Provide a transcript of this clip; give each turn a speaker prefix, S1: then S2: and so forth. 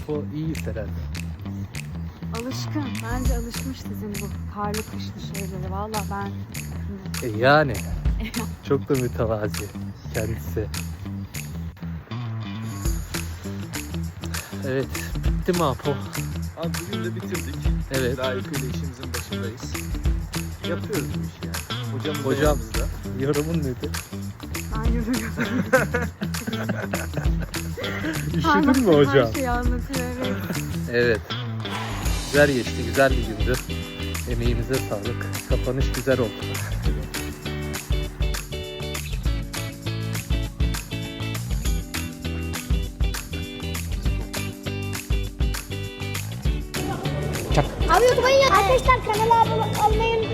S1: Apo iyiyiz herhalde.
S2: Alışkın. Bence alışmış sizin bu karlı kışlı şeylere. Valla ben...
S1: Yani çok da mütevazi kendisi. Evet, bitti mi Apo?
S3: Abi bugün de bitirdik.
S1: Evet.
S3: Layıkıyla işimizin başındayız. Yapıyoruz bu işi yani. Hocamız da
S1: Hocam.
S3: yanımızda.
S1: Yorumun nedir?
S2: Ben yürüyorum.
S1: Üşüdün mü hocam?
S2: Her şeyi anlatıyor, evet.
S1: Evet. Güzel geçti, güzel bir gündü. Emeğimize sağlık. Kapanış güzel oldu.
S4: Abi YouTube'a arkadaşlar kanala abone olmayı